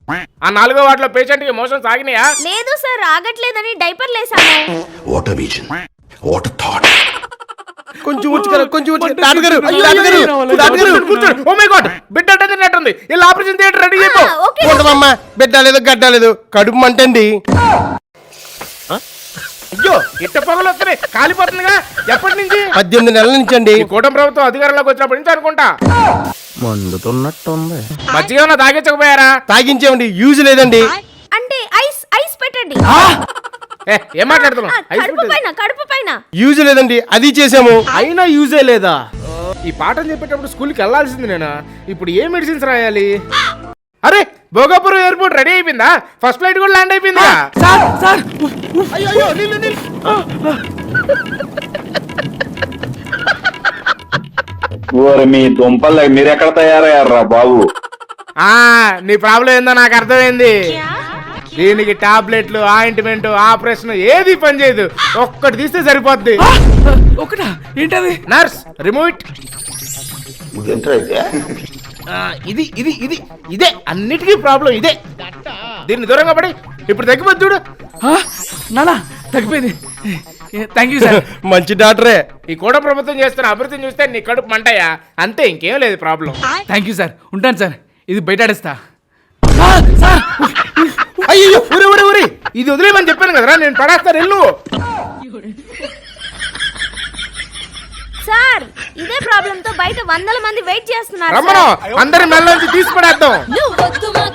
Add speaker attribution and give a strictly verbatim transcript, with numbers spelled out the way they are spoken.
Speaker 1: ఆ నాలుగో వార్డులో పేషెంట్ కి మోషన్ సాగినాయా?
Speaker 2: లేదు సార్, ఆగట్లేదని డైపర్ లేసాను.
Speaker 3: What vision, what thought.
Speaker 4: కొంచెం వచ్చుకరా, కొంచెం వచ్చి తాతగారు తాతగారు తాతగారు
Speaker 1: కూర్చోండి. ఓ మై గాడ్, బిడ్డ అడ్డదిన్నట్టుంది. ఇలా ఆపరేషన్ థియేటర్ రెడీ అయిపో.
Speaker 4: ఉండమమ్మా, బిడ్డ లేదు గడ్డ లేదు, కడుపు మంటండి.
Speaker 1: అయ్యో, ఇట్ట పొగలు వస్తున్నాయి, కాలిపోతుందిగా. ఎప్పటి నుంచి?
Speaker 4: పద్దెనిమిది నెలల నుంచి అండి.
Speaker 1: ఈ కూటమి ప్రభుత్వం అధికారంలోకి వచ్చినప్పటి నుంచి అనుకుంటా.
Speaker 4: మండుతున్నట్టుంది.
Speaker 1: మజ్జిగ ఏమన్నా తాగించకపోయారా?
Speaker 4: తాగించేవండి, యూజ్ లేదండి.
Speaker 2: అంటే ఐస్ ఐస్ పెట్టండి.
Speaker 1: ఏ, ఏం మాట్లాడుతున్నావు? ఐస్
Speaker 2: కడుపు
Speaker 1: పెట్టేది.
Speaker 2: పైన కడుపు పైన
Speaker 4: యూజ్ లేదండి, అది చేసాము.
Speaker 1: అయినా యూజే లేదా? ఈ పాఠం చెప్పేటప్పుడు స్కూల్కి వెళ్ళాల్సింది నేనా? ఇప్పుడు ఏ మెడిసిన్స్ రాయాలి? అరే, భోగాపురం ఎయిర్పోర్ట్ రెడీ అయిపోయిందా? ఫస్ట్ ఫ్లైట్ కూడా ల్యాండ్ అయిపోయిందా?
Speaker 4: సార్ సార్
Speaker 1: అయ్యో అయ్యో, నీళ్ళు నీళ్ళు.
Speaker 5: ఓరి మీ దుంపలు మీరు ఎక్కడ తయారయ్యారా బాబు?
Speaker 1: ఆ, నీ ప్రాబ్లం ఏందో నాకు అర్థమైంది. దీనికి టాబ్లెట్లు, ఆయింట్మెంట్, ఆపరేషన్ ఏది పని చేయదు. ఒక్కటి తీస్తే సరిపోద్ది.
Speaker 6: ఒకటా? ఏంటది?
Speaker 1: Nurse, remove it.
Speaker 5: ఏంటైతే
Speaker 1: ఇది ఇది ఇది ఇదే అన్నిటికీ ప్రాబ్లం ఇదే. దీన్ని దూరంగా పడి ఇప్పుడు తగ్గిపోద్ది చూడు.
Speaker 6: నానా తగ్గిపోయింది. Thank you sir.
Speaker 4: మంచి డాక్టరే.
Speaker 1: ఈ కూడా ప్రభుత్వం చేస్తున్న అభివృద్ధిని చూస్తే నీ కడుపు మంటయా? అంతే, ఇంకేం లేదు ప్రాబ్లం.
Speaker 6: Thank you sir. ఉంటాను సార్. ఇది బయట ఆడేస్తా. సార్,
Speaker 1: అయ్యో, ఊరి ఊరి ఊరి ఇది వదిలేమని చెప్పాను కదరా, నేను పడేస్తాను. వెళ్ళు.
Speaker 2: సార్, ఇదే ప్రాబ్లం తో బయట వందల మంది వెయిట్ చేస్తున్నారు.
Speaker 1: రమ్మను, అందరి మెల్ల నుంచి తీసి పడేద్దాం.